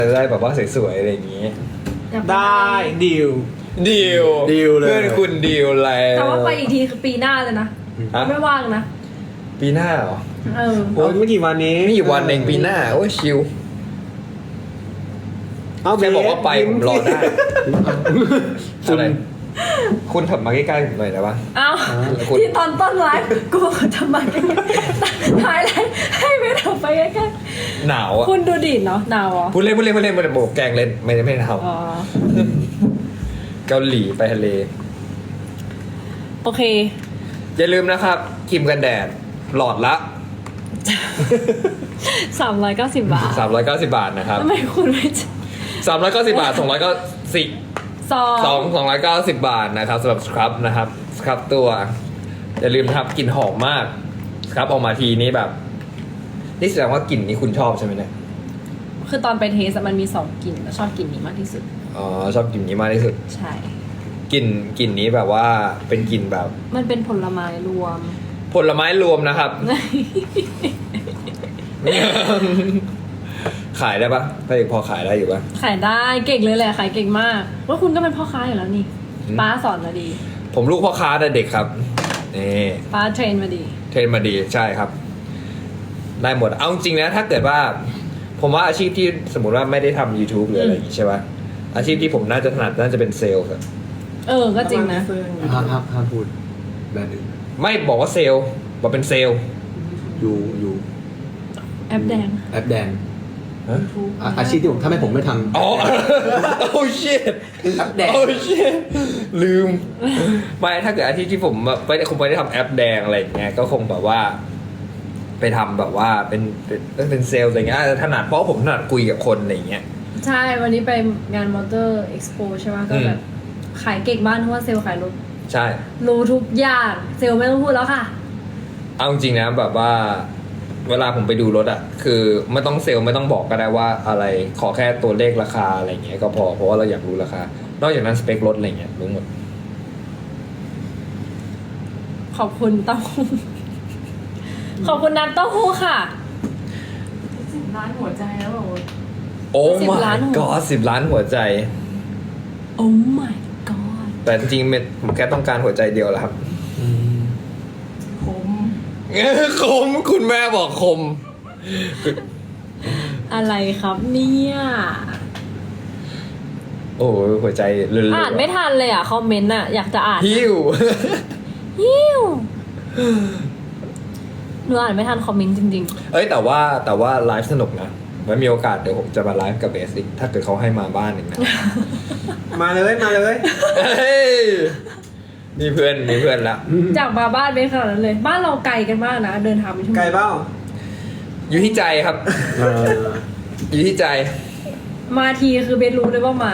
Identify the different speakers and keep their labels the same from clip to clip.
Speaker 1: จะได้แบบว่าสวยๆอะไรอย่างงี้
Speaker 2: ได้ดิว
Speaker 1: ดีล
Speaker 2: ดีลเลย
Speaker 1: เพื่อนคุณดีลอะไร
Speaker 3: แต่ว่าไปอีกทีคือปีหน้าเลยนะ
Speaker 1: ฮะ
Speaker 3: ไม่ว่างนะ
Speaker 1: ปีหน้าเหรอ
Speaker 3: เออ
Speaker 2: โอ้ยไม่กี่วันนี้
Speaker 1: มีอยู่วันเองปีหน้าโอ้ยชิล
Speaker 2: เอา
Speaker 1: แค่บอกว่าไป
Speaker 2: ยิ้
Speaker 1: ผมรอได้
Speaker 2: คุณ
Speaker 1: อะไรคุณถับมาใกล้ๆผมหน่อยได้ปะ
Speaker 3: เอ้า
Speaker 1: คุณ
Speaker 3: ที่ตอนต้นไลฟ์กูบอกว่าจะมาใกล้ๆถ่ายไลฟ์ให้ไม่ทำไปใกล้
Speaker 1: หนาวอ่ะ
Speaker 3: ๆคุณดูดิเนาะหนาวเหรอ
Speaker 1: พูดเล่นโบกแกล้งเล่นไม่ได้ท
Speaker 3: อ๋อ
Speaker 1: ำเกาหลีไปทะเล
Speaker 3: โอเค
Speaker 1: อย่าลืมนะครับครีมกันแดดหลอดละ
Speaker 3: 390 บาท
Speaker 1: 390 บาทนะครับ
Speaker 3: ทำไมคุณไม่
Speaker 1: 390 บาท290
Speaker 3: ซอง
Speaker 1: 290 บาทนะครับสำหรับสครับนะครับสครับตัว อย่าลืมนะครับกลิ่นหอมมากสครับออกมาทีนี้แบบ นี่แสดงว่ากลิ่นนี้คุณชอบใช่ไหมเนี่ย
Speaker 3: คือตอนไปเทสอะมันมี2กลิ่นแล้วชอบกลิ่นนี้มากที่สุด
Speaker 1: อ๋อชอบกลิ่นนี้มากที่สุด
Speaker 3: ใช่
Speaker 1: กลิ่นนี้แบบว่าเป็นกลิ่นแบบ
Speaker 3: มันเป็นผลไม้รวม
Speaker 1: ผลไม้รวมนะครับ ขายได้ปะถ้าพอขายได้อยู่ปะ
Speaker 3: ขายได้เก่งเลยแหละขายเก่งมากว่าคุณก็เป็นพ่อค้าอยู่แล้วนี่
Speaker 1: อืม
Speaker 3: ป้าสอนมาดี
Speaker 1: ผมลูกพ่อค้าแต่เด็กครับนี่
Speaker 3: ป้าเทรนมาดี
Speaker 1: เทรนมาดีใช่ครับ ได้หมดเอาจริงนะถ้าเกิดว่า ผมว่าอาชีพที่สมมติว่าไม่ได้ทำ YouTube หรืออะไรอย่างงี้ใช่ปะอาชีพที่ผมน่าจะถนัดน่าจะเป็นเซลล์ครับ
Speaker 3: ก็จริงนะ
Speaker 2: ห้ามพูดแบรนด์อื่น
Speaker 1: ไม่บอกว่าเซลล์บอกเป็นเซลล์
Speaker 2: อยู่
Speaker 3: แอปแดง
Speaker 2: แอปแดง
Speaker 1: ฮะ
Speaker 2: อาชีพที่ผมถ้าไม่ผมไม่ทำ
Speaker 1: อ๋อ โอ้ชิต
Speaker 2: แอปแดง
Speaker 1: โอ้ชิตลืมไม่ถ้าเกิดอาชีพที่ผมไม่ได้คงไม่ได้ทำแอปแดงอะไรอย่างเงี้ยก็คงแบบว่า ไปทำแบบว่าเป็นเซลล์อะไรเงี้ยอาจจะถนัดเพราะผมถนัดคุยกับคนอะไรอย่างเงี้ย
Speaker 3: ใช่วันนี้ไปงานมอเตอร์เอ็กซ์โปใช่ไหมก็แบบขายเก่งบ้านเพราะว่าเซลล์ขายรถ
Speaker 1: ใช่
Speaker 3: รู้ทุกอย่างเซลล์ไม่ต้องพูดแล้วค่ะ
Speaker 1: เอาจริงๆนะแบบว่า เวลาผมไปดูรถอะคือไม่ต้องเซลล์ไม่ต้องบอกก็ได้ว่าอะไรขอแค่ตัวเลขราคาอะไรเงี้ยก็พอเพราะว่าเราอยากรู้ราคานอกจากนั้นสเปครถอะไรเงี้ยรู้หมด
Speaker 3: ขอบคุณเต้าหู้ขอบคุณน้ำเต้าหู้ค่ะ
Speaker 4: 10 ล้านหัวใจแล้วบอกว่า
Speaker 1: โอ้
Speaker 3: 10 ล้าน
Speaker 1: my
Speaker 3: หัว
Speaker 1: god 10 ล้านหัวใจ
Speaker 3: โอ้ my god
Speaker 1: แต่จริงๆผมแค่ต้องการหัวใจเดียวแหละครับ
Speaker 4: คม
Speaker 1: คมคุณแม่บอกคม
Speaker 3: อะไรครับเนี่ย
Speaker 1: โอ้ยหัวใจเลื่อนๆ
Speaker 3: อ่านไม่ทันเลยอ่ะคอมเมนต์อ่ะอยากจะอ่าน
Speaker 1: หิว
Speaker 3: ฮิวหนูอ่านไม่ทันคอมเมนต์จริง
Speaker 1: เอ้ยแต่ว่าไลฟ์สนุกนะไว้มีโอกาสเดี๋ยวผมจะมาไลฟ์กับเบสอีกถ้าเกิดเขาให้มาบ้านอีกนะ
Speaker 2: มาเลยมาเลย
Speaker 1: เฮ้ยมีเพื่อนละ
Speaker 3: ๆ จากมาบ้านเป็นขนาดนั้นเลย บ้านเราไกลกันมากนะ เดินทางไปชั่วโมง
Speaker 2: ไก่เบ้า
Speaker 1: อยู่ที่ใจครับ อยู่ที่ใจ
Speaker 3: มาทีคือเบนรู้เลยว่ามา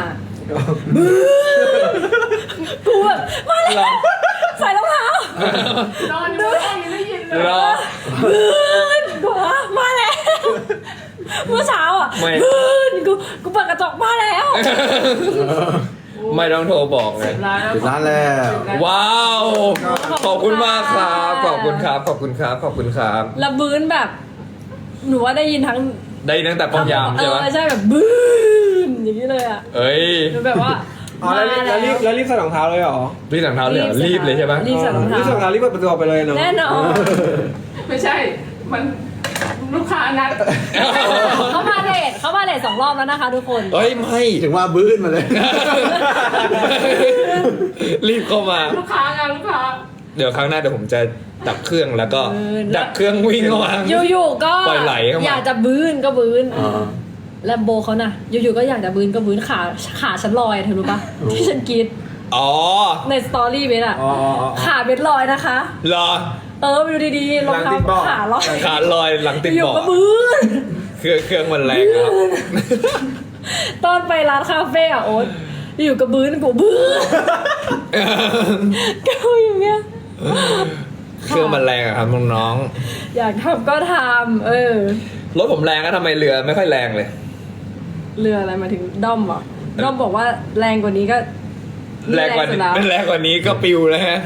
Speaker 3: กูแบบมาแล้วใส่รองเท้าน
Speaker 4: อนอยู่ห้องยังได้ยินเลย
Speaker 1: รอ
Speaker 3: กูมาแล้วเมื่อเช้าอ่ะ
Speaker 1: ไม่
Speaker 3: กูเปิดกระจกมาแล้ว
Speaker 1: ไม่ต้องโทรบอกไง
Speaker 4: 10 ล้านแล้ว
Speaker 2: 10 ล้านแล้ว
Speaker 1: ว้าว ขอบคุณมากครับ ขอบคุณครับ ขอบคุณครับ ขอบคุณครับ
Speaker 3: แล้วบื้นแบบ หนูว่าได้ยินทั้ง
Speaker 1: ได้ตั้งแต่ป้อมยามใช่ไหม
Speaker 3: ใช่แบบบื้นอย่างนี้เลยอ่ะ
Speaker 1: เอ้ย
Speaker 3: หนูแบบว่า
Speaker 2: อ๋อแล้วรีบใส่รองเท้าเลยเหรอ
Speaker 1: รีบหลังเท้าเลยเหรอรีบเลยใช่ไหม
Speaker 3: รีบใส่รองเท้า
Speaker 2: รีบใส่รองเท้ารีบเปิดประตูออกไปเลยเนาะ
Speaker 3: แน่นอน
Speaker 4: ไม่ใช่ มันลูกค้านัด
Speaker 3: เขามาเลท2 รอบแล้วนะคะทุกคน
Speaker 1: เอ้ยไม่
Speaker 2: ถึงว่าบื้นมาเลย
Speaker 1: รีบเข้ามา
Speaker 4: ลูกค้างานลูกค้า
Speaker 1: เดี๋ยวครั้งหน้าเดี๋ยวผมจะดับเครื่องแล้วก็ ดับเครื่องวิ่งเข้ามา
Speaker 3: อยู่ๆก็
Speaker 1: ปล่อยไหลเข้ามา
Speaker 3: อยากจะบื้นก็บื้น
Speaker 2: อ๋อ
Speaker 3: แล้วโบเขาน่ะ อยู่ๆก็อยากจะบื้นก็บื้นขาฉันลอยอะเธอรู้ปะ
Speaker 2: โอ้
Speaker 3: ที่ฉันกรีด
Speaker 1: อ๋อ
Speaker 3: ในสตอรี่เบสอะ
Speaker 2: อ๋ออ๋ออ๋อ
Speaker 3: ขาเบสลอยนะคะ
Speaker 1: รอ
Speaker 3: ไปดูดีๆรองเท้า
Speaker 2: หลังติดเบาะ
Speaker 3: ขาลอย
Speaker 1: ขาลอยหลังติด
Speaker 3: อยู่
Speaker 1: เบาะ
Speaker 3: ก็บื้น
Speaker 1: เครื่องมันแรงครับ
Speaker 3: ตอนไปร้านคาเฟ่อะโอ๊ตอยู่กับบื้นกูบื้นก็อย่างเงี้ย
Speaker 1: เครื่องมันแรงอะครับน้อง
Speaker 3: อยากทำก็ทำ
Speaker 1: ๆรถผมแรงก็ทำไมเรือไม่ค่อยแรงเลย
Speaker 3: เรืออะไรมาถึงด้อมเหรอด้อมบอกว่าแรงกว่านี้ก็
Speaker 1: แรงกว่า
Speaker 3: สุ
Speaker 1: นี้
Speaker 3: ดแล้ว
Speaker 1: แรงกว่านี้ก็ปิวแล้วฮะ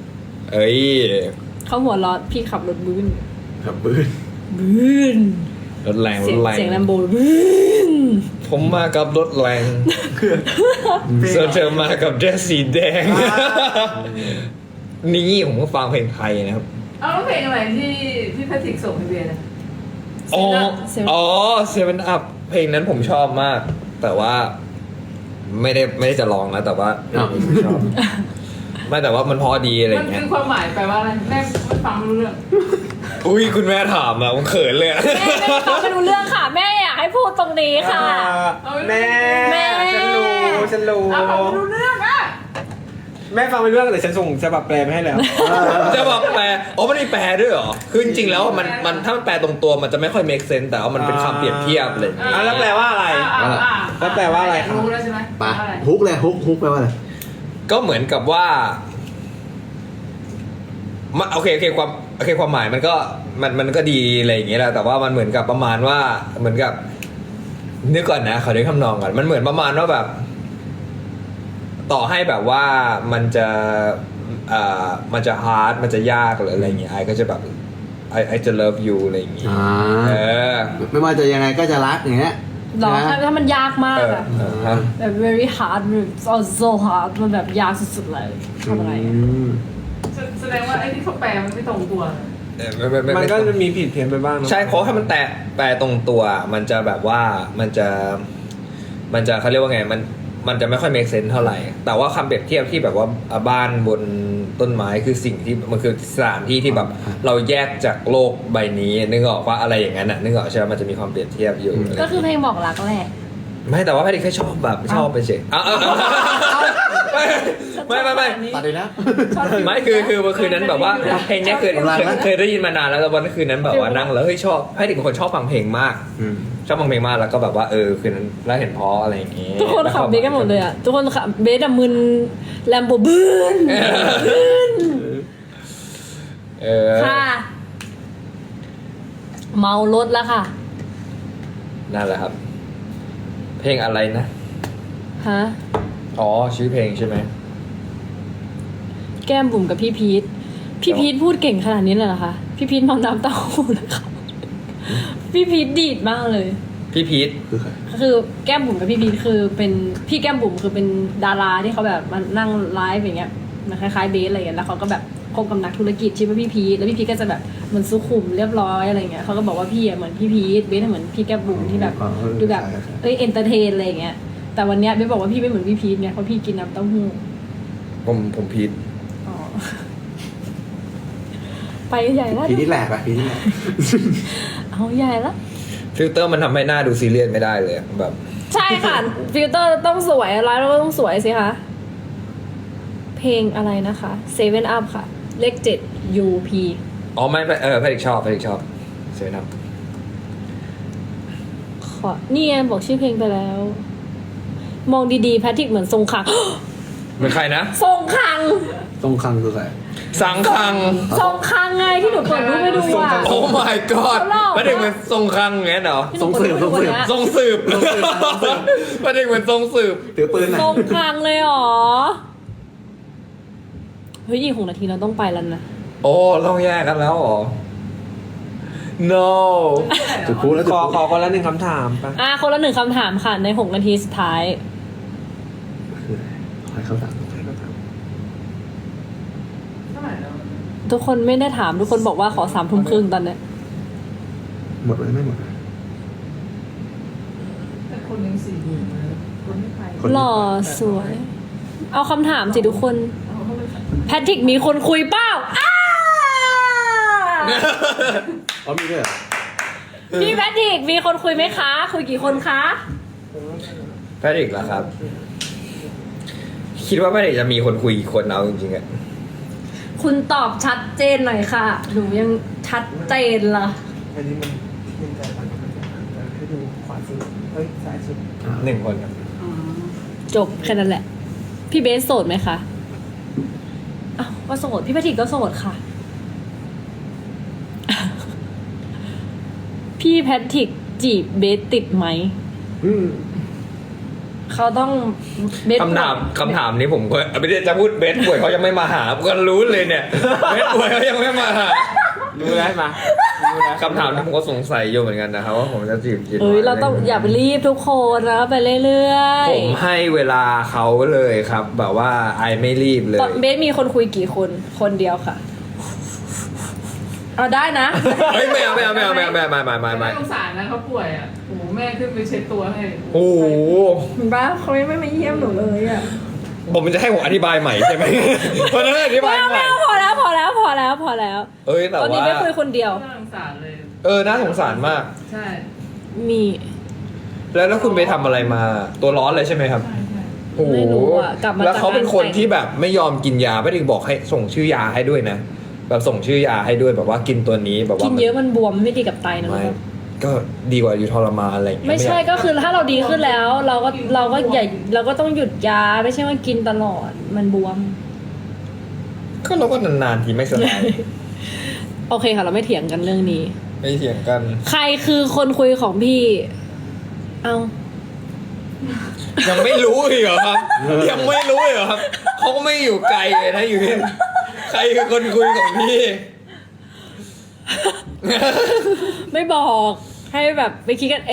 Speaker 1: เอ้ย
Speaker 3: เขาหัวเร้อนพี่ขับรถบื้น
Speaker 2: ครับบื้น
Speaker 3: บื้น
Speaker 1: รถแรงร
Speaker 3: เสีย
Speaker 1: ถ
Speaker 3: ง
Speaker 1: แรง
Speaker 3: เสียงแลมโบ
Speaker 1: ผมมากับรถแรงส่วนเธอมากับเดรสสีแดง นี่ผมก็ฟังเพลงไทยนะครับ
Speaker 4: เอาแล้วเพลงอะไรที่แพทริกส่งให้เบียร์นะ
Speaker 1: อ๋ออ๋อเซเว่นอัพเพลงนั้นผมชอบมาก แต่ว่าไม่ได้จะร้องนะแต่ว่าผมชอบ ไม่แต่ว่ามันพอดีอะไรอ
Speaker 4: มัน
Speaker 1: ย่างเงี้
Speaker 4: คื
Speaker 1: ย
Speaker 4: อความหมายแปลว่าอะไรแม่ไม่ฟังไม่รู้เรื่อง
Speaker 1: อุ้ยคุณแม่ถามอะผมเขินเลยอะ
Speaker 3: แม่ไม่ฟังไม่รู้เรื่องค่ะ แม่อยากให้พูดตรงนี้ค่ะ
Speaker 2: แม่
Speaker 3: แม่
Speaker 2: ฉันรู้
Speaker 4: เอาฟังไม่รู้เรื่องอ่ะ
Speaker 2: แม่ฟังไม่รู้เรื่องแต่ฉันส่งฉบับแปลไปให้แล้ว
Speaker 1: จะบอกแปลอ๋อมันมีแปลด้วยเหรอคือจริงๆแล้วมันถ้ามันแปลตรงตัวมันจะไม่ค่อย make sense แต่ว่ามันเป็นคำเปรียบเทียบเลย
Speaker 2: แล้วแปลว่าอะไร แล้วแปลว่าอะไรครับ
Speaker 4: รู้แล้วใช่ไหม
Speaker 5: ไป
Speaker 4: อะไร
Speaker 5: ฮุกเลยฮุกแปลว่าอะไร
Speaker 1: ก็เหมือนกับว่าโอเคความหมายมันก็ดีอะไรอย่างเงี้ยแหละแต่ว่ามันเหมือนกับประมาณว่าเหมือนกับนึกก่อนนะขอนึกคำนองก่อนมันเหมือนประมาณว่าแบบ ต่อให้แบบว่ามันจะมันจะ hard มันจะยากหรืออะไรอย่างเงี้ยไอก็จะแบบไอจะ love you อะไรอย่างเงี้ย
Speaker 5: อ่า
Speaker 1: เออ
Speaker 5: ไม่ว่าจะยังไงก็จะรักอย่างเงี้ย
Speaker 3: หรอ
Speaker 5: นะ
Speaker 3: ถ้ามันยากมากอะ
Speaker 1: ฮะ
Speaker 3: แบบ very hard so hard มันแบบยากสุดๆเลยทำอะไรอะ
Speaker 4: แสดงว่าไอ้ที่เขาแปลมันไม่ตรงตัว
Speaker 2: มันก็จะมีผิดเพี้ยนไปบ้างเนอะ
Speaker 1: ใช่เพราะถ้ามันแปลตรงตัว มันจะแบบว่ามันจะเขาเรียกว่าไงมันจะไม่ค่อย make sense เท่าไหร่ แต่ว่าคำเปรียบเทียบที่แบบว่าบ้านบนต้นไม้คือสิ่งที่มันคือสถานที่ที่แบบเราแยกจากโลกใบนี้นึกออกว่าอะไรอย่างนั้นน่ะนึกออกใช่ไหมมันจะมีความเปรียบเทียบอยู่
Speaker 3: ก็คือเพลงบอกรักแหละ
Speaker 1: ไม่แต่ว่าแพทย์แค่ชอบแบบชอบไปเฉยไม่
Speaker 5: ตัดเลยนะ
Speaker 1: ไม่คือนั้นแบบว่าเพลงเนี้ยเคยได้ยินมานานแล้วแต่วันคืนนั้นแบบว่านั่งแล้วเฮ้ยชอบแพทย์เป็นคนชอบฟังเพลงมาก ชอบฟังเพลงมากแล้วก็แบบว่าคืนนั้นแล้วเห็นเพราะอะไรอย่างงี้
Speaker 3: ทุกคนขับเบสกันหมดเลยอ่ะ ทุกคนขับเบสอะมึนแลมโบบืน ค่ะ เมารถแล้วค่ะ
Speaker 1: นั่นแหละครับ เพลงอะไรนะ
Speaker 3: ฮะ
Speaker 1: อ๋อชื่อเพลงใช่ไหม
Speaker 3: แก้มบุ๋มกับพี่พีทพี่พีทพูดเก่งขนาดนี้เลยเหรอคะ พี่พีทเมาน้ำเต้าหู้นะคะพี่พีทดีดมากเลย
Speaker 1: พี่พีท
Speaker 5: คือใคร
Speaker 3: คือแก้มบุ๋มกับพี่พีทคือเป็นพี่แก้มบุ๋มคือเป็นดาราที่เขาแบบมานั่งไลฟ์อย่างเงี้ยมันคล้ายๆเบสอะไรอย่างเงี้ยแล้วเขาก็แบบคบกับนักธุรกิจชื่อว่าพี่พีทแล้วพี่พีทก็จะแบบเหมือนสุขุมเรียบร้อยอะไรเงี้ยเขาก็บอกว่าพี่อะเหมือนพี่พีทเบสเหมือนพี่แก้มบุ๋มที่แบบดูแบบเอนเตอร์เทนอะไรอย่างเงี้ยแต่วันเนี้ยเบสบอกว่าพี่ไม่เหมือนพี่พีทเนี่ยเพราะพี่กินน้ำเต้าหู้
Speaker 1: ผมพีท
Speaker 3: อ๋อไปใหญ่แล้ว
Speaker 5: พีที่แหลกอะพีที่แหลก
Speaker 3: เอาใหญ่แล้ว
Speaker 1: ฟิลเตอร์มันทำให้หน้าดูซีเรียสไม่ได้เลยแบบ
Speaker 3: ใช่ค่ะ ฟิลเตอร์ต้องสวยอะไรแล้วก็ต้องสวยสิคะเพลงอะไรนะคะ7 up ค่ะ เลข7 UP
Speaker 1: อ๋อไม่แพทย์ชอบเสียนะ
Speaker 3: ขอนี่ไงบอกชื่อเพลงไปแล้ว มองดีๆแพทริกเหมือนทรงคัง
Speaker 1: เป็นใครนะ
Speaker 3: ทรงคัง
Speaker 5: ตรงคังคือใคร
Speaker 1: สังคัง
Speaker 3: ทรงคังไงที่หนูเปิดรูปให้ดูอ่ะ
Speaker 1: โอ้ my god ไม่ได้เหมือนทรงคังอย่างนั้นเหรอ
Speaker 3: ที่หนูเปิดรูปให้ดูอะ
Speaker 1: ทรงสืบไม่ได้เหมือนทรงสืบ
Speaker 5: ถือปืนไหน
Speaker 3: ทรงคังเลยเหรอเฮ้ยอีก6 นาทีเราต้องไปแล้วนะ
Speaker 1: โอ้เราแยกกันแล้วเหรอ no
Speaker 5: จุดพูดแล้วจุด
Speaker 2: ขอ
Speaker 5: พูด
Speaker 2: คนละหนึ่งคำถามปะ
Speaker 3: คนละ1 คำถามค่ะใน6 นาทีสุดท้าย
Speaker 5: ขอให้เขาถาม
Speaker 4: เท่าไหร่แล้ว
Speaker 3: ทุกคนไม่ได้ถามทุกคนบอกว่าขอ3 ทุ่มครึ่งตอนเนี้ย
Speaker 5: หมดเลยไม่หมดเลย
Speaker 4: แต่คนหนึ่ง4,000นะคนไม่ไป
Speaker 5: คน
Speaker 3: หล่อสวย เอาคำถามสิทุกคน
Speaker 4: เอาเข้าไป
Speaker 3: แพทริกมีคนคุยเปล่าอ้า
Speaker 5: อ๋อมีด้วยเหรอ
Speaker 3: พี่แพทริกมีคนคุยไหมคะ คุยกี่คนคะ
Speaker 1: แพทริกเหรอครับ คิดว่าแพทริกจะมีคนคุยกี่คนเอาจริงๆอะ
Speaker 3: คุณตอบชัดเจนหน่อยค่ะ หนูยังชัดเจนละ
Speaker 2: อันนี้มันใจมันให้ดูขวาสุดเฮ้ยซ้ายสุด
Speaker 1: 1 คนครับ
Speaker 3: จบแค่นั้นแหละ พี่เบสโสดไหมคะอ้าวก็โสด พี่แพทริกก็โสดค่ะ พี่แพทริกจีบเบสติดไหม
Speaker 5: อืม
Speaker 3: เขาต้องเบส
Speaker 1: คำถามนี้ผมก็ไม่ได้จะพูดเบสป่วยเขายังไม่มาหาผมก็รู้เลยเนี่ยเบสป่วยเขายังไม่มาหา
Speaker 6: รู้แล้วมารู้แล้ว
Speaker 1: คำถามที่ผมก็สงสัยอยู่เหมือนกันนะครับว่าผมจะจีบกิน
Speaker 3: เอ้ยเราต้องอย่าไปรีบทุกคนแล้วไปเรื่อยๆ
Speaker 1: ผมให้เวลาเขาเลยครับ แบบว่าไอไม่รีบเลย
Speaker 3: ตอนเบสมีคนคุยกี่คนคนเดียวค่ะเอาได้นะ
Speaker 1: เฮ้ยไม่เอาไม่
Speaker 4: สงสารนะเขาป่วยอ่ะโอ้โหแม่ขึ้นไปเช็ดตัวให้
Speaker 1: โอ้โห
Speaker 3: บ้าเขาไม่มาเยี่ยมหนูเลยอ่ะ
Speaker 1: ผมจะให้ผมอธิบายใหม่ใช่ไหม เพราะฉะนั้นอธิบายใหม่
Speaker 3: พอแล้ว
Speaker 1: เอ้ยแต่
Speaker 3: ตอนนี้
Speaker 1: ว่า
Speaker 3: ไม่คุยคนเดียว
Speaker 4: น่าสงสารเลย
Speaker 1: น่าสงสารมาก
Speaker 4: ใช่
Speaker 3: มี
Speaker 1: แล้วคุณไปทำอะไรมาตัวร้อนเลยใช่ไหมครับ
Speaker 4: ใช่ใช่
Speaker 1: โอ้โห
Speaker 3: ไม่รู้อะกลับมา
Speaker 1: แล้วเขาเป็นคน
Speaker 3: จากงานแต่ง
Speaker 1: ที่แบบไม่ยอมกินยาไม่ถึงบอกให้ส่งชื่อยาให้ด้วยนะ แบบส่งชื่อยาให้ด้วยแบบว่ากินตัวนี้แบบว่า
Speaker 3: กินเยอะมันบวมไม่ดีกับไตนะ
Speaker 1: ไม่
Speaker 3: ลูก
Speaker 1: ก็ดีกว่าอยู่ทรมานอะไรอย่างเงี้ย
Speaker 3: ไม่ใช่
Speaker 1: อยาก
Speaker 3: ก็คือถ้าเราดีขึ้นแล้ว เราก็อย่าเราก็ต้องหยุดยาไม่ใช่ว่ากินตลอดมันบวม
Speaker 1: ก็เราก็นานๆทีไม่สบาย
Speaker 3: โอเคค่ะ เราไม่เถียงกันเรื่องนี้
Speaker 1: ไม่เถียงกัน
Speaker 3: ใครคือคนคุยของพี่ เอา
Speaker 1: ยังไม่รู้อีกเหรอครับ ยังไม่รู้อีกเหรอครับเขาก็ไม่อยู่ไกลเลยนะอยู่นี่ใครคือคนคุยของพี่
Speaker 3: ไม่บอกให้แบบไปคิดกันเอง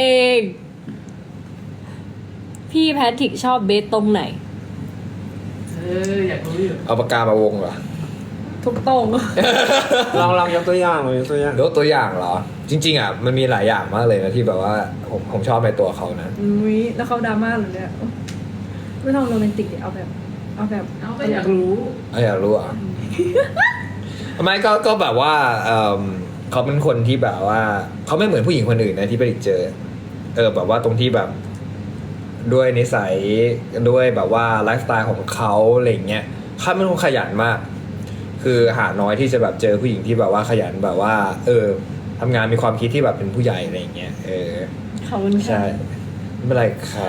Speaker 3: พี่แพทริกชอบเบสตรงไหน
Speaker 4: อยากรู้อยู่
Speaker 1: เอาปากกามาวงเหรอ
Speaker 3: ทุกตรง
Speaker 6: ลองยกตัวอย่างยกตัวอย่าง
Speaker 1: ยกตัวอย่างเหรอ จริงๆอ่ะมันมีหลายอย่างมากเลยนะที่แบบว่าผมชอบในตัวเขานะ
Speaker 3: อุ้ยแล้วเขาดราม่าเหรอเนี่ยไม่ต้องโรแมนติกดิเอาแบบ
Speaker 4: เอาก็อยากรู้
Speaker 1: อยากรู้อ่ะ ไม่ก็แบบว่าเขาเป็นคนที่แบบว่าเขาไม่เหมือนผู้หญิงคนอื่นนะที่ไปเจอแบบว่าตรงที่แบบด้วยนิสัยด้วยแบบว่าไลฟ์สไตล์ของเขาอะไรอย่างเงี้ยเขาเป็นคนขยันมาก คือหาน้อยที่จะแบบเจอผู้หญิงที่แบบว่าขยันแบบว่า ทำงานมีความคิดที่แบบเป็นผู้ใหญ่อะไรอย่างเงี้ย
Speaker 3: ขอบคุณค่ะ
Speaker 1: ใช่ไม่เป็นไรครับ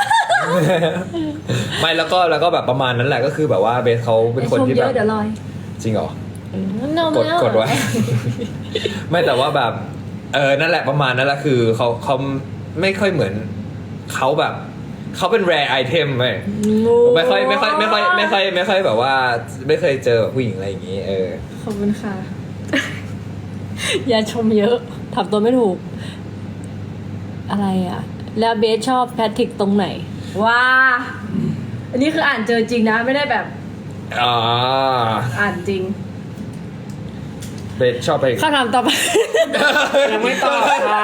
Speaker 1: ไม่แล้วก็แบบประมาณนั้นแหละก็คือแบบว่าเบสเขาเป็นคนที่
Speaker 3: ชมเย
Speaker 1: แบบ
Speaker 3: อะเดี๋ยวลอย
Speaker 1: จริงเหรอ
Speaker 3: ก
Speaker 1: กดไว้ ไม่แต่ว่าแบบนั่นแหละประมาณนั้นแหละคือเขาไม่ค่อยเหมือนเขาแบบเขาเป็น rare item ไม่ค่อยแบบว่าไม่เคยเจอแบบผู้หญิงอะไรอย่างงี้
Speaker 3: ขอบคุณค่ะ อย่าชมเยอะทำตัวไม่ถูก อะไรอ่ะ แล้วเบสชอบแพทริกตรงไหนว้าอันนี้คืออ่านเจอจริงนะไม่ได้แบบอ่านจริง
Speaker 1: เบสชอบไป
Speaker 3: คำถามต่อไป
Speaker 6: ยังไม่ตอบค่ะ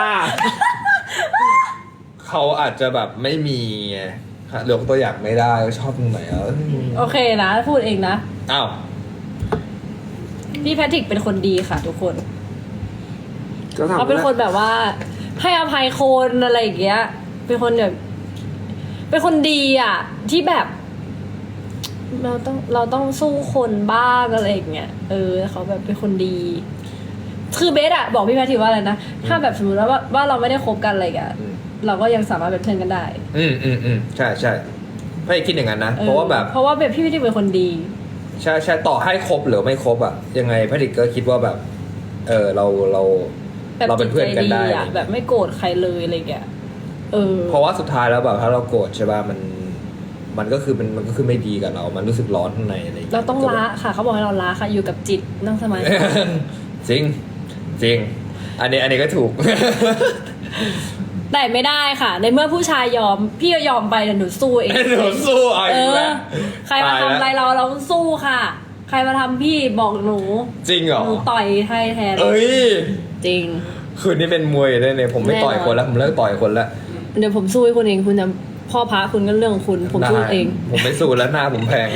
Speaker 1: เขาอาจจะแบบไม่มีไงเลือกตัวอย่างไม่ได้ชอบตรงไหน
Speaker 3: โอเคนะพูดเองนะ
Speaker 1: อ้าว
Speaker 3: พี่แพทริกเป็นคนดีค่ะทุกคน
Speaker 6: ก็ถาม
Speaker 3: เขาเป็นคนแบบว่า ให้อภัยคนอะไรอย่างเงี้ย เป็นคนแบบเป็นคนดีอ่ะ ที่แบบ เราต้องสู้คนบ้างอะไรอย่างเงี้ยเขาแบบเป็นคนดี คือเบสอะบอกพี่แพทริกว่าอะไรนะถ้าแบบสมมติว่าเราไม่ได้คบกันอะไรกันเราก็ยังสามารถเป็นเพื่อนกันได้
Speaker 1: ใช่ไม่คิดอย่างนั้นนะเพราะว่าแบบ
Speaker 3: พี่แพทริกเป็นคนดี
Speaker 1: ใช่ต่อให้ครบหรือไม่ครบอ่ะยังไงพระดิกก็คิดว่าแบบเราเป็นเพื่อนกันได้
Speaker 3: แบบไม่โกรธใครเลยอะไรเงี้ย
Speaker 1: เพราะว่าสุดท้ายแล้วแบบถ้าเราโกรธใช่ป่ะมันก็คือไม่ดีกับเรา มันรู้สึกร้อนข้างในอะไรอย่างเงี้ย
Speaker 3: เราต้องละค่ะเขาบอกให้เราละค่ะอยู่กับจิตนั่งสมาธิ
Speaker 1: จริงอันนี้ก็ถูก
Speaker 3: แต่ไม่ได้ค่ะ ในเมื่อผู้ชายยอมพี่ก็ยอมไปแต่หนูสู้เอง
Speaker 1: หนูสู้เอาอีกแล้ว
Speaker 3: ใครมาทำอะไรเราสู้ค่ะ ใครมาทำพี่บอกหนู
Speaker 1: จริงเหรอ
Speaker 3: หนูต่อยให้แทน
Speaker 1: เอ้ย
Speaker 3: จริง
Speaker 1: คืนนี้เป็นมวยเลยเนี่ยผมไม่ต่อยคนแล้วผมเลิกต่อยคนแล้ว
Speaker 3: เดี๋ยวผมสู้ให้คุณเองคุณจะพ่อพระคุณก็เรื่องของคุณผมสู้เอง
Speaker 1: ผมไม่สู้แล้วหน้าผมแพง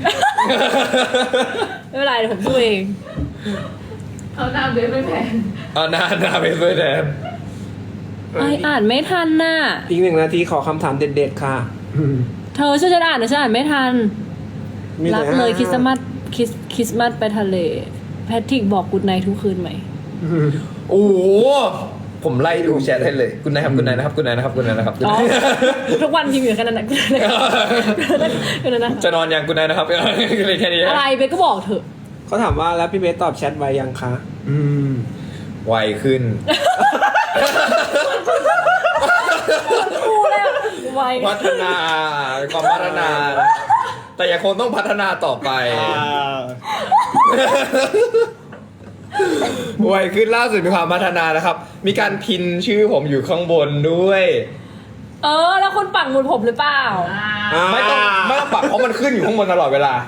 Speaker 3: ไม่เป็นไรเดี๋ยวผมสู้เอง
Speaker 4: เอาหน้าเบสไม่แพง
Speaker 1: เอาหน้าไปเพื่อแทน
Speaker 3: อ่านไม่ทันน่ะ
Speaker 6: อีก1 นาทีขอคำถามเด็ดๆค่ะ
Speaker 3: เธอช่วยฉันอ่านนะฉันอ่านไม่ทัน รักเลยคริสต์มาสไปทะเลแพทริกบอกกูดไนท์ทุกคืนไหม
Speaker 1: โอ้โหผมไล่ดูแชทให้เลยคุณนายครับคุณนายนะครับคุณนายนะครับคุณนายนะครับ
Speaker 3: อ๋อทุกวันพิมพ์อยู่แค่นั้นนะคุณนะ
Speaker 1: จะนอนยังคุณนายนะครับเลยแค่นี้
Speaker 3: อะไรเบสก็บอกเถอะ
Speaker 6: เขาถามว่าแล้วพี่เบสตอบแชทไว้ยังคะ
Speaker 1: ไวขึ้น
Speaker 3: กูแล้วไว
Speaker 1: พัฒนาความพัฒนา แต่ยังคงต้องพัฒนาต่อไปไวขึ้นล่าสุดมีความพัฒนานะครับ มีการพินชื่อผมอยู่ข้างบนด้วย
Speaker 3: แล้วคุณปักหมุดผมหรือเปล่า
Speaker 1: ไม่ต้องปักเพราะมันขึ้นอยู่ข้างบนตลอดเวลา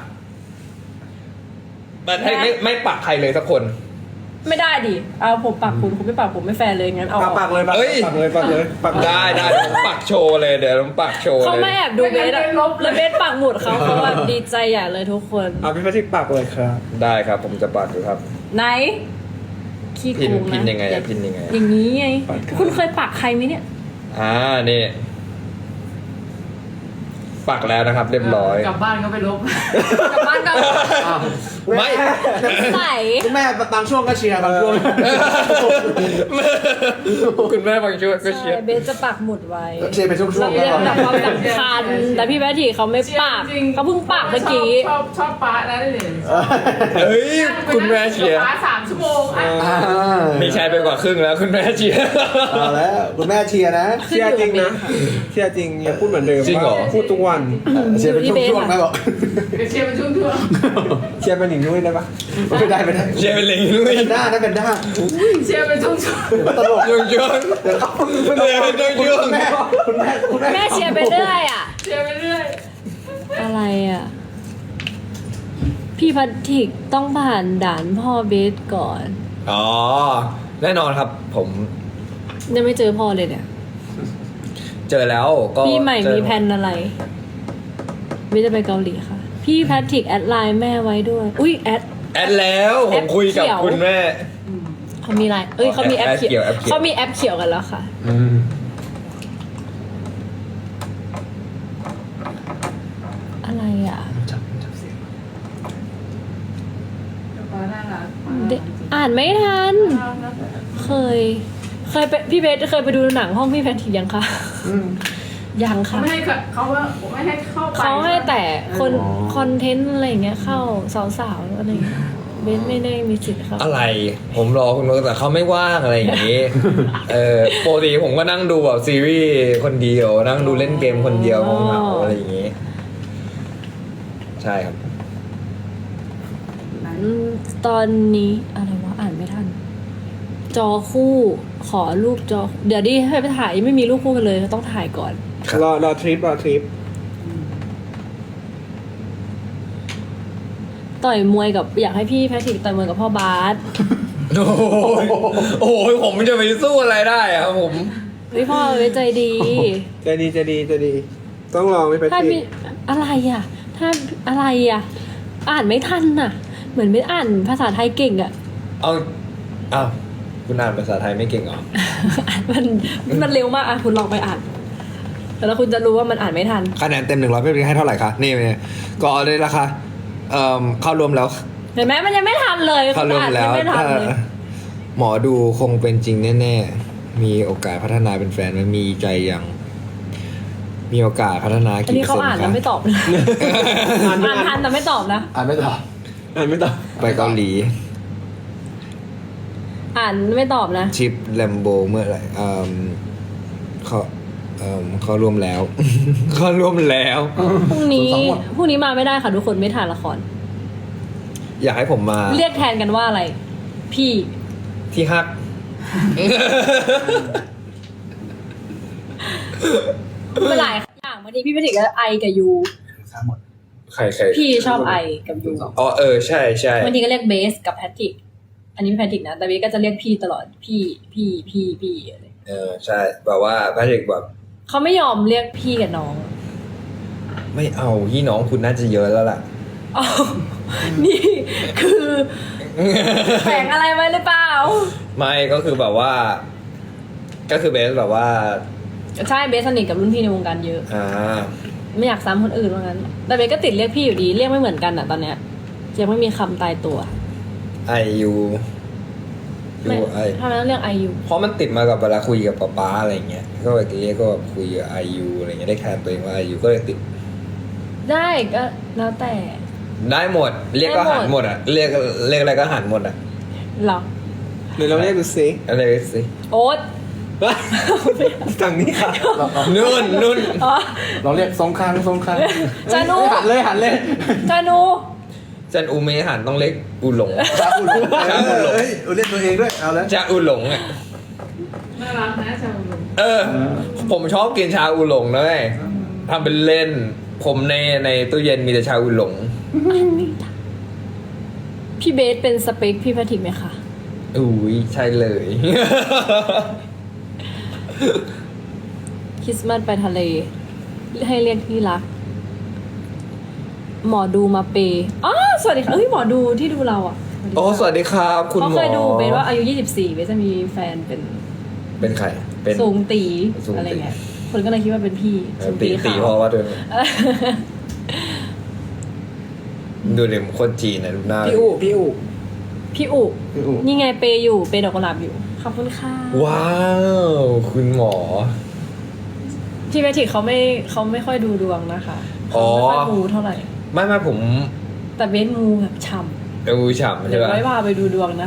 Speaker 1: มันให้ไม่ปักใครเลยสักคน
Speaker 3: ไม่ได้ดิเอาผมปักคุณไม่ปักผมไม่แฟร์เลยงั้นเอา
Speaker 6: ปักเลยปัก
Speaker 1: เอ้ย
Speaker 6: เลยปักเลยปักเลย
Speaker 1: ได้ผมปักโชว์เลยเดี๋ยวผมปักโชว์
Speaker 3: เขา
Speaker 1: เลย
Speaker 3: ไม่แอบดูเบสอะแล้วเบสปักหมุดเขาแบบดีใจใหญ่เลยทุกคน
Speaker 6: เอาพี่พัทิกปักเลยครับ
Speaker 1: ได้ครับผมจะปักอยู่ครับ
Speaker 3: ไหนขี้โกงนะ
Speaker 1: พินยังไงอะพินยังไงอะ
Speaker 3: อย่างนี้ไงคุณเคยปักใครไหมเนี่ย
Speaker 1: นี่ปักแล้วนะครับ เรียบร้อย
Speaker 4: กลับบ้านก็ไปลบ
Speaker 3: กลับบ้านก็
Speaker 1: ไม่
Speaker 3: ใส่
Speaker 5: คุณแม่บางช่วงก็เชียร์บางช่วง
Speaker 1: คุณแม่บางช่วงก็เชียร์
Speaker 3: ใช่เบสจะปักหมุดไว้
Speaker 5: เชียร์เป็นช่วงๆ
Speaker 3: เรียก
Speaker 5: แล้ว
Speaker 3: แบบความสำคัญแต่พี่แพทย์เขาไม่ปักเขาเพิ่งปักเมื่อกี้
Speaker 4: ชอบป้านะนี่
Speaker 1: เฮ้ยคุณแม่เชียร์
Speaker 4: ป้า3 ชั่วโมงอ่ะ
Speaker 1: มีชายไปกว่าครึ่งแล้วคุณแม่เชียร์
Speaker 5: เอาแล้วคุณแม่เชียร์นะ
Speaker 6: เชียร์จริงนะเชียร์จริงอย่าพูดเหมือนเดิม
Speaker 1: จริงเหรอ
Speaker 6: พูดทุกวัน
Speaker 5: เชียร์เป็นช่วงๆนะบอก
Speaker 4: เดี๋ยวเชียร์เป็นช่วง
Speaker 6: เชียร์เป็นหนิงด้วยได้ปะ
Speaker 5: ไม่ได้ไม่ได้
Speaker 1: เชียร์เป็นลิงด้วย
Speaker 5: เป็นด้านะเป็นด้า
Speaker 4: ๆเชียร์เป็นช่วง
Speaker 5: ตลก
Speaker 1: ยุ่งยุ่งเชียร์เป็นยุ่งยุ่ง
Speaker 5: คุณแม่
Speaker 3: แม่เชียร์ไปเรื่อยอ่ะ
Speaker 4: ๆเชียร์ไปเรื่อย
Speaker 3: อะไรอ่ะ พี่พัทธิกต้องผ่านด่านพ่อเบสก่อน
Speaker 1: อ๋อแน่นอนครับผม
Speaker 3: ยังไม่เจอพ่อเลยเนี่ย
Speaker 1: เจอแล้วก็
Speaker 3: พี่ใหม่
Speaker 1: เจอ
Speaker 3: มีแผนอะไรเบสจะไปเกาหลีค่ะ พี่แพทริกแอดไลน์แม่ไว้ด้วย อุ้ยแอด
Speaker 1: แอดแล้วผมคุยกับ
Speaker 3: แอปเขียว
Speaker 1: คุณแม่
Speaker 3: เขามีไลน์เขามีแอปเขียว
Speaker 1: แอปเขียว
Speaker 3: เขามีแอปเขียวกันแล้วค่ะ อะไรอ่ะ
Speaker 4: ป้าน่ารัก
Speaker 3: อ่านไม่ทัน เคยไปพี่เบสเคยไปดูหนังห้องพี่แพทริกยังคะยัง
Speaker 4: เขา
Speaker 3: ค่ะ
Speaker 4: ไม่ให้เขาว่าไม่ให้เข้าไป
Speaker 3: เขาให้แต่คนคอนเทนต์อะไรอย่างเงี้ยเข้าสาวๆอะไรอย่างเงี้ยเบสไม่ได้มีสิทธิ์ครับ
Speaker 1: อะไร ผมรอคุณมาแต่เขาไม่ว่างอะไรอย่างนี้ ปกติผมก็นั่งดูแบบซีรีส์คนเดียว นั่งดูเล่นเกมคนเดียวเหงาๆอะไรอย่างนี้ ใช่ครับ
Speaker 3: ตอนนี้อะไรวะอ่านไม่ทัน จอคู่ขอรูปจอ เดี๋ยวดิให้ไปถ่ายยังไม่มีรูปคู่กันเลยต้องถ่ายก่อน
Speaker 6: รอทริป
Speaker 3: ต่อยมวยกับอยากให้พี่แพทริกต่อยมวยกับพ่อบาส
Speaker 1: โอ้โหผมจะไปสู้อะไรได้อะครับผม
Speaker 3: พี่พ่อไว้ใจดี
Speaker 6: จะดีต้องลองไม่ไป
Speaker 3: ถ้า
Speaker 6: ติ
Speaker 3: พี่อะไรอ่ะ ถ้าอะไรอ่ะ อ่านไม่ทันน่ะ เหมือนไม่อ่านภาษาไทยเก่งอ่ะ
Speaker 1: เอาคุณอ่านภาษาไทยไม่เก่งเหรอ
Speaker 3: มันเร็วมากอ่ะคุณลองไปอ่านแล้วคุณจะรู้ว่ามันอ่านไม่ทัน
Speaker 1: คะแนนเต็ม100พี่ให้เท่าไหร่คะนี่เนี่ยก็เลยราคาเข้ารวมแล้ว
Speaker 3: เห็นไหมมันยังไม่ทันเลย
Speaker 1: เข้ารวมแล้ว
Speaker 3: ไม่ทันเลย
Speaker 1: หมอดูคงเป็นจริงแน่ๆมีโอกาสพัฒนาเป็นแฟนไหมมีใจยังมีโอกาสพัฒนา
Speaker 3: อัน
Speaker 1: กี่
Speaker 3: นี้
Speaker 1: เปอร์
Speaker 3: เขา
Speaker 1: เซ็น
Speaker 3: อ่าน
Speaker 1: ต์
Speaker 3: แล้ว
Speaker 1: คะ
Speaker 3: ไม่ตอบเลยอ่านทันแต่ไม่ตอบนะ
Speaker 5: อ่านไม่ตอบ
Speaker 1: ไปเกาหลี
Speaker 3: อ่านไม่ตอบนะ
Speaker 1: ชิปแลมโบเมื่อไหร่เขารวมแล้ว เขารวมแล้ว
Speaker 3: พรุ่งนี้มาไม่ได้ค่ะทุกคนไม่ถ่ายละคร
Speaker 1: อยากให้ผมมา
Speaker 3: เรียกแทนกันว่าอะไร พี่
Speaker 1: ที่ฮัก
Speaker 3: เมื่อไหร่อย่างวันนี้พี่ไปถึงก็ไอกับยู
Speaker 1: ใคร
Speaker 3: พี่ชอบไอกับยู
Speaker 1: อ๋อใช่
Speaker 3: วันนี้ก็เรียกเบสกับแพทริก อันนี้แพทริกนะแต่เบสก็จะเรียกพี่ตลอดพี่อะไร
Speaker 1: ใช่แบบว่าแพทริกแบบ
Speaker 3: เขาไม่ยอมเรียกพี่กับน้อง
Speaker 1: ไม่เอาพี่น้องคุณน่าจะเยอะแล้วล่ะ
Speaker 3: อ้าวนี่คือแฝงอะไรไว้หรือเปล่า
Speaker 1: ไม่ก็คือแบบว่า ก็คือเบสแบบว่า
Speaker 3: ใช่เบสสนิทกับรุ่นพี่ในวงการเยอะ ไม่อยากซ้ำคนอื่นว่างั้นแต่เบสก็ติดเรียกพี่อยู่ดีเรียกไม่เหมือนกันอ่ะตอนเนี้ยยังไม่มีคำตายตัว
Speaker 1: IU
Speaker 3: ไม่ทำไมต้องเรียกไอยู
Speaker 1: เพราะมันติดมากับเวลาคุยกับป๊าอะไรเงี้ยก็แบบนี้ก็คุยกับ IU อะไรเงี้ยได้แทนตัวเองว่า IU ก็เลยติด
Speaker 3: ได้ก็แล้วแต่
Speaker 1: ได้หมด เรียกก็หันหมดอ่ะเรียกอะไรก็หันหมดอ่ะ
Speaker 3: หรอ
Speaker 6: หรือเราเรียกดูซิ
Speaker 1: อะไรสิ
Speaker 3: โอ๊ต
Speaker 6: ฝั่งนี้ค่ะ
Speaker 1: นุ่น
Speaker 3: อ๋อ
Speaker 5: เราเรียกทรงคาง
Speaker 3: จานุ
Speaker 5: หันเลย
Speaker 3: จานุ
Speaker 1: จันอูเมหันต้องเล็กอูหลง
Speaker 5: ชาอุหลงเฮ้ยเล่นตัวเองด้วยเอาแล้ว
Speaker 1: ชาอูหลงอ่ะ
Speaker 4: น่ารักนะชาวลุง
Speaker 1: ผมชอบกินชาอูหลงเลยทำเป็นเล่น ผมในตู้เย็นมีแต่ชาอูหลง
Speaker 3: พี่เบสเป็นสเปคพี่แพทริกไหมคะ
Speaker 1: อุ้ยใช่เลย
Speaker 3: คริสต์มาสไปทะเล ให้เรียกที่รัก หมอดูมาเปย์อ๋อสวัสดีค่ะเอ้ยหมอดูที่ดูเราอ่ะ
Speaker 1: โอ้สวัสดีครับ คุณหมอ
Speaker 3: เขาเคยดูเบสว่าอายุ 24เบสจะมีแฟนเป็น
Speaker 1: เป็นใคร เป็น
Speaker 3: สูงตี
Speaker 1: สูงตี
Speaker 3: อะไรเงี้ยคนก็เลยคิดว่าเป็นพี่สูง
Speaker 1: ตี
Speaker 3: ขาว
Speaker 1: เพราะว่าเดินดูเด็กโคตรจีนนะดูหน้า
Speaker 6: พี่อู๋พี่อู๋
Speaker 3: พี่อุนี่ไงเปย์อยู่เปย์ดอกกุหลาบอยู่ขอบคุณค่ะ
Speaker 1: ว้าวคุณหมอ
Speaker 3: พี่แพทริกเขาไม่ค่อยดูดวงนะคะ
Speaker 1: อ๋
Speaker 3: เขา
Speaker 1: อ
Speaker 3: ไม่ค่อยมูเท่าไหร่
Speaker 1: ไม่ผม
Speaker 3: แต่เบสมูแบบฉ่
Speaker 1: ดูฉ่ำ
Speaker 3: ำ
Speaker 1: ใช่
Speaker 3: เดี๋ยว
Speaker 1: ปะ
Speaker 3: ไว้พาไปดูดวงนะ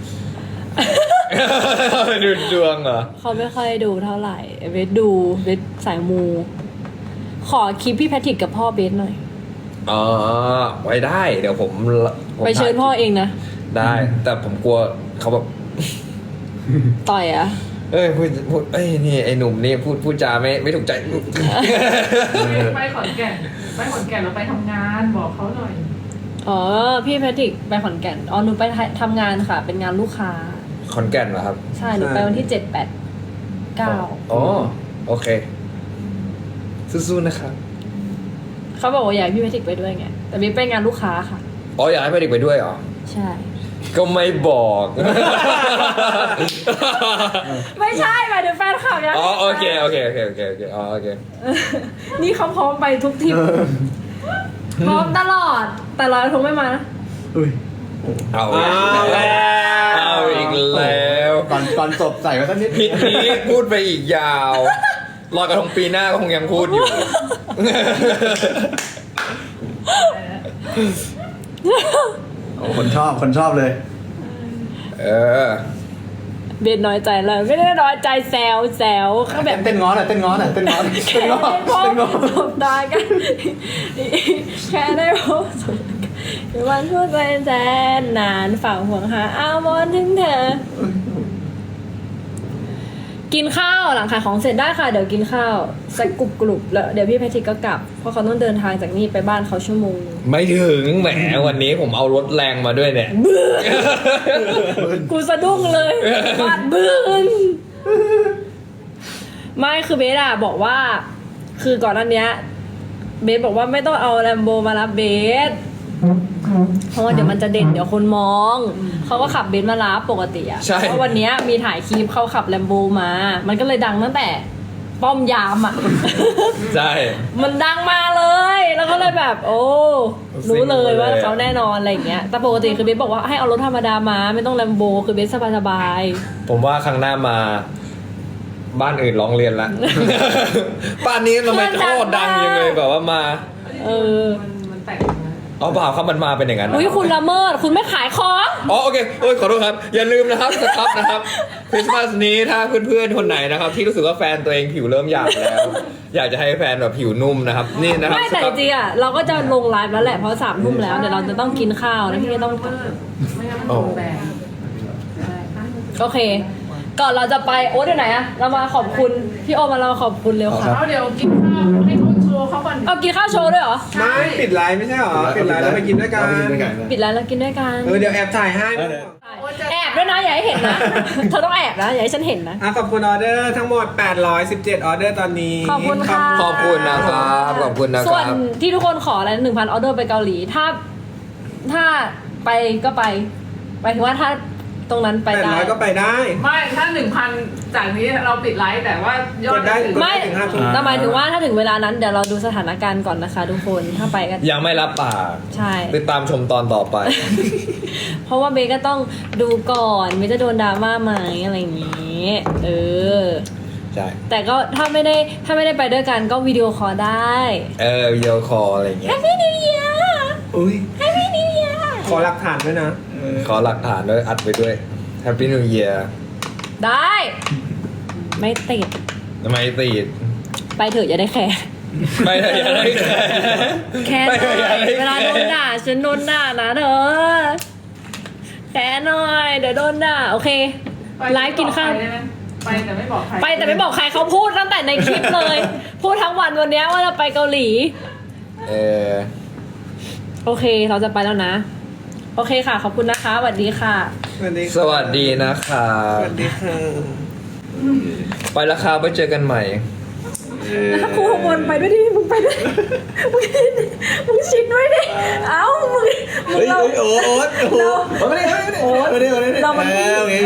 Speaker 1: ดูดวงเหรอ
Speaker 3: เขาไม่ค่อยดูเท่าไหร่เบสดูเบสสายมู ขอคลิปพี่แพทริกกับพ่อเบสหน่อย
Speaker 1: อ๋อไว้ได้เดี๋ยวผม
Speaker 3: ไปเชิญพ่อเองนะ
Speaker 1: ได้ แต่ผมกลัวเขาแบบ
Speaker 3: ต่อยอะ
Speaker 1: เอ้ยพูดเอ้ยนี่ไอ้หนุ่มนี่พูดจาไม่ถูกใจ
Speaker 4: ไปขอนแก่นเราไปทำงานบอกเขาหน่อย
Speaker 3: อ๋อพี่แพทริกไปขอนแก่นอ๋อหนูไปทำงานค่ะ เป็นงานลูกค้า
Speaker 1: ขอนแก่นเหรอครับ
Speaker 3: ใช่หนูไปวันที่7-8-9
Speaker 1: อ๋อโอเคสู้ๆนะครับ
Speaker 3: เขาบอกว่าอยากให้พี่แพทริกไปด้วยไงแต่เบสไปงานลูกค้าค่ะ
Speaker 1: อ๋ออยากให้ไปเด็กไปด้วยเหรอ
Speaker 3: ใช่
Speaker 1: ก็ไม่บอก
Speaker 3: ไม่ใช่หมายถึงแฟนคลับยัง
Speaker 1: อ๋อโอเคอ๋อโอเค
Speaker 3: นี่เขาพร้อมไปทุกทริปพร้อมตลอด แต่ลอยกระทงไม่มานะ
Speaker 5: อุ้ย
Speaker 1: เอาอีกแล้วเอาอีกแล้ว
Speaker 5: ก่อนจบใส่ไว้สักนิด
Speaker 1: ผิดนี้พูดไปอีกยาวลอยกระทงปีหน้าก็คงยังพูดอยู่
Speaker 5: โอ้คนชอบเลย
Speaker 1: เออ
Speaker 3: เบนน้อยใจเลยไม่ได้น้อยใจแซวเขาแบบ
Speaker 5: เต้นง้อหน่อยเต้นง้อ
Speaker 3: แค่ได้พบสบตากัน แค่ได้พบสบตากันในวันพูดไปแสนนานฝากห่วงหาอาวรณ์ถึงเธอ กินข้าวหลังขายของเสร็จได้ค่ะ เดี๋ยวกินข้าวสักกรุบแล้วเดี๋ยวพี่แพทริกก็กลับ เพราะเขาต้องเดินทางจากนี่ไปบ้านเขาชั่วโมง
Speaker 1: ไม่ถึงแหมวันนี้ผมเอารถแรงมาด้วยเนี่ย
Speaker 3: กูสะดุ้งเลยบาดบึ้งไม่คือเบสอะบอกว่า คือก่อนหน้านี้เบสบอกว่าไม่ต้องเอาแลมโบมารับเบสเพราะว่าเดี๋ยวมันจะเด่นเดี๋ยวคนมองเขาก็ขับเบนซ์มารับปกติอะ
Speaker 1: ใช่
Speaker 3: เพราะวันเนี้ยมีถ่ายคลิปเขาขับแลมโบมา มันก็เลยดังตั้งแต่ป้อมยามอะ
Speaker 1: ใช่
Speaker 3: มันดังมาเลย แล้วก็เลยแบบ โอ้รู้เลยว่าเขาแน่นอนอะไรอย่างเงี้ยแต่ปกติคือเบสบอกว่าให้เอารถธรรมดามาไม่ต้องแลมโบคือเบสสบาย
Speaker 1: ผมว่าครั้งหน้ามา บ้านอื่นร้องเรียนละ บ้านนี้ทำไมโคตรดังยังเลยแบบว่ามา
Speaker 3: เออ
Speaker 4: มันแตกนะ
Speaker 1: อ๋อเปล่าครับมันมาเป็นอย่างนั้นนะ
Speaker 3: อุ้ยคุณละเมิดคุณไม่ขายของ
Speaker 1: อ๋อโอเคโอ้ยขอโทษครับ อย่าลืมนะครับสครับนะครับคริสต์มาสนี้ถ้าเพื่อนๆคนไหนนะครับ ที่รู้สึกว่าแฟนตัวเองผิวเริ่มหยาบแล้ว อยากจะให้แฟนแบบผิวนุ่มนะครับ นี่นะครับ
Speaker 3: ไม่แต่
Speaker 1: สค
Speaker 3: จ
Speaker 1: รับ
Speaker 3: ริงๆอะเราก็จะลงไลฟ์แล้วแหละเพราะ3 ทุ่มแล้วเดี๋ยวเราจะต้องกินข้าวแล้วพี่ก็ต้อง
Speaker 4: ไม่งั้นมันโดนแบนใช่
Speaker 3: โอเค ก่อนเราจะไปโอ๊ตอยู่ไหนอะเรามาขอบคุณพี่โอมาเราขอบคุณเร็วค่ะ
Speaker 4: เอาเดี๋ยวกินข้าวให้เขาโชว์เขาก่อน
Speaker 3: เอากินข้าวโชว์ด้วยเหรอ
Speaker 6: ไม่ปิดไลน์ไม่ใช่หรอปิดไลน์แล้วไปกินด้วยกัน
Speaker 3: ปิดแล้วเรากินด้วยกัน
Speaker 6: เดี๋ยวแอบถ่ายให้
Speaker 3: แอบด้วยนะอย่าให้เห็นนะ เธอต้องแอบนะอย่าให้ฉันเห็นนะ
Speaker 6: ขอบคุณออเดอร์ทั้งหมด817ออเดอร์ตอนนี้
Speaker 3: ขอบคุณค่ะ
Speaker 1: ขอบคุณนะครับขอบคุณนะค
Speaker 3: ส่วน
Speaker 1: รับ
Speaker 3: ที่ทุกคนขออะไร1,000 ออเดอร์ไปเกาหลี ถ้าไปก็ไปหมายถึงว่าถ้าตรงนั้นไปได้
Speaker 6: 800ก็ไปได้
Speaker 4: ไม่ถ้า 1,000 จากนี้เราปิดไลฟ์แต่ว่ายอด
Speaker 6: กดได้
Speaker 3: ไม่
Speaker 6: ถึง5 ทุ่ม
Speaker 3: แต่หมายถึงว่าถ้าถึงเวลานั้นเดี๋ยวเราดูสถานการณ์ก่อนนะคะทุกคนถ้าไปก็
Speaker 1: ยังไม่รับปาก
Speaker 3: ใช่
Speaker 1: ติดตามชมตอนต่อไป
Speaker 3: เพราะว่าเบสก็ต้องดูก่อนเบสจะโดนดราม่าไหมอะไรอย่างนี้เออ
Speaker 1: ใช่
Speaker 3: แต่ก็ถ้าไม่ได้ไปด้วยกันก็วิดีโอคอลได้
Speaker 1: วิดีโอคอลอะไรอย่างเงี้ย
Speaker 3: Happy New Year
Speaker 5: อุ้ย
Speaker 3: Happy New Year
Speaker 6: ขอหลักฐานด้วยนะ
Speaker 1: ขอหลักฐานด้วยอัดไปด้วย Happy New Year
Speaker 3: ได้ ไม่ติด
Speaker 1: ทำไมติด
Speaker 3: ไปเถอะอย่าได้แคร์
Speaker 1: ไปเถอะอย่าเลยแค่
Speaker 3: แค่ห
Speaker 1: ไปเถ
Speaker 3: น่
Speaker 1: อะ
Speaker 3: อ
Speaker 1: อย่าย เลย
Speaker 3: เวลาโดนด่าฉันโดนด่านะเธอแค่หน่อยเดี๋ยวโดนด่าโอเค ไลฟ์กินข้าว
Speaker 4: ไปแต่ไม่บอกใคร
Speaker 3: ไปแต่ไม่บอกใครเขาพูดตั้งแต่ในคลิปเลย พูดทั้งวันวันเนี้ยว่าจะไปเกาหลี โอเคเราจะไปแล้วนะ โอเคค่ะ ขอบคุณนะคะสวัสดีค่ะ
Speaker 6: สวัสดี
Speaker 1: สวัสดีนะครับ
Speaker 6: สวัสดีค่ะ
Speaker 1: ไปแล้วครับไปเจอกันใหม่
Speaker 3: ครูวนไปด้วยดิมึงไปด้วยมึงชิดด้วยดิเอ้ามึง
Speaker 5: เฮ้ย
Speaker 3: เรา
Speaker 5: โอ๊ตโอ้โหไม่ได้ไม่ได้ไม่ได้
Speaker 3: เรามัน
Speaker 5: โอเค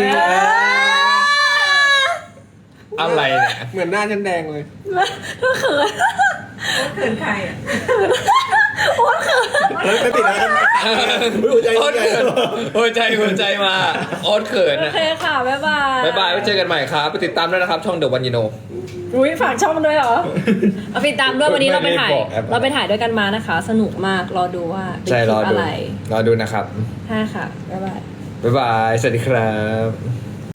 Speaker 1: อะไรเนี่ย
Speaker 6: เหมือนหน้าฉันแดงเลย
Speaker 3: ก็เขิน
Speaker 4: เขินใครอ่ะ
Speaker 3: โอ๊ตเขิน
Speaker 5: เฮ้ยไม่ติดแล้วหัวใจ
Speaker 1: โอ๊ตเขินหัวใจมาโอ๊ตเขิน
Speaker 3: โอ
Speaker 1: อะ
Speaker 3: เคค่ะบ๊ายบาย
Speaker 1: บ๊ายบายไว้เจอกันใหม่ครับ ไปติดตามด้วยนะครับ ช่องเดอะวันยูโน
Speaker 3: อุ้ยฝากช่องด้วยเหรอเอาไปตามด้วยวันนี้เราไปถ่าย
Speaker 1: ไม่ได้บอกแอป
Speaker 3: เราไปถ่ายด้วยกันมานะคะ สนุกมากรอดูว่าเป็น
Speaker 1: ใช่
Speaker 3: คลิ
Speaker 1: รอ
Speaker 3: ป
Speaker 1: ดู
Speaker 3: อะไร
Speaker 1: รอดูนะครับ
Speaker 3: ใช่ค่ะบ๊ายบาย
Speaker 1: บ๊ายบาย สวัสดีครับ